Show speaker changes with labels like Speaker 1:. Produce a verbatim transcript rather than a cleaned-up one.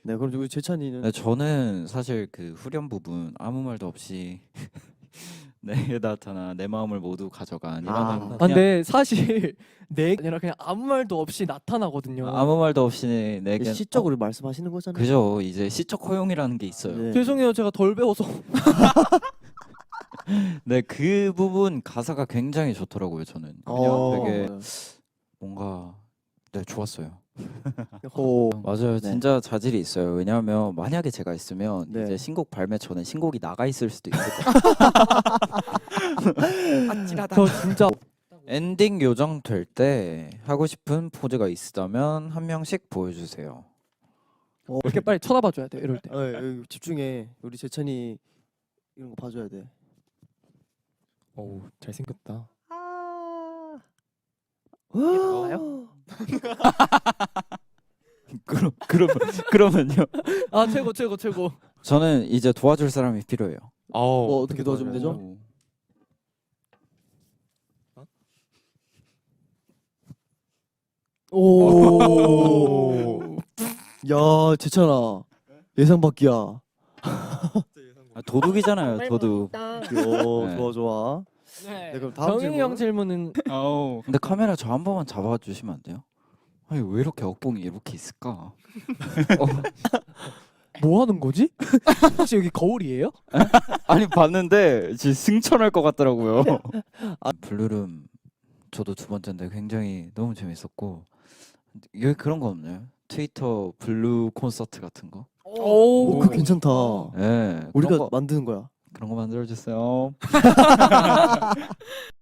Speaker 1: 네, 그럼 우리 재찬이는
Speaker 2: 네, 저는 사실 그 후렴 부분 아무 말도 없이 내게 나타나 내 마음을 모두 가져간 이라는
Speaker 1: 아.
Speaker 2: 그냥
Speaker 3: 아, 근데 사실 내 아니라 그냥 아무 말도 없이 나타나거든요.
Speaker 2: 아무 말도 없이 내게
Speaker 1: 시적으로 말씀하시는 거잖아요.
Speaker 2: 그죠. 이제 시적 허용이라는 게 있어요.
Speaker 1: 네.
Speaker 3: 죄송해요, 제가 덜 배워서.
Speaker 2: 네, 그 부분 가사가 굉장히 좋더라고요. 저는 그냥
Speaker 1: 어.
Speaker 2: 되게 뭔가 네 좋았어요.
Speaker 1: 오.
Speaker 2: 맞아요.
Speaker 1: 네.
Speaker 2: 진짜 자질이 있어요. 왜냐하면 만약에 제가 있으면
Speaker 1: 네.
Speaker 2: 이제 신곡 발매 전에 신곡이 나가 있을 수도 있을 것 같아요.
Speaker 3: 아찔하다. 저 진짜
Speaker 2: 엔딩 요정 될 때 하고 싶은 포즈가 있다면 한 명씩 보여주세요.
Speaker 1: 어,
Speaker 3: 이렇게 빨리 쳐다봐 줘야 돼. 이럴 때.
Speaker 1: 어, 어, 집중해. 우리 재찬이 이런 거 봐줘야 돼.
Speaker 3: 어우, 잘생겼다.
Speaker 1: 나와요?
Speaker 2: 그럼 그러면 그러면요.
Speaker 3: 아, 최고 최고 최고.
Speaker 2: 저는 이제 도와줄 사람이 필요해요.
Speaker 1: 뭐 어떻게 도와주면 되죠?
Speaker 2: 오.
Speaker 1: 오. 야, 재찬아. 예상 밖이야. 어,
Speaker 2: 아, 도둑이잖아요. 도둑.
Speaker 1: 좋아,
Speaker 2: 네.
Speaker 1: 좋아.
Speaker 3: 네.
Speaker 1: 네, 그럼 다음
Speaker 3: 정인이
Speaker 1: 질문.
Speaker 3: 형 질문은
Speaker 2: 아우. 근데 카메라 저 한 번만 잡아주시면 안 돼요? 아니 왜 이렇게 억봉이 이렇게 있을까? 어,
Speaker 3: 뭐 하는 거지? 혹시 여기 거울이에요?
Speaker 2: 아니 봤는데 진짜 승천할 것 같더라고요. 아, 블루룸 저도 두 번째인데 굉장히 너무 재밌었고 여기 그런 거 없나요? 트위터 블루 콘서트 같은 거?
Speaker 1: 오, 그거 괜찮다.
Speaker 2: 네,
Speaker 1: 우리가
Speaker 2: 그런 거,
Speaker 1: 만드는 거야.
Speaker 2: 그런 거 만들어 주세요.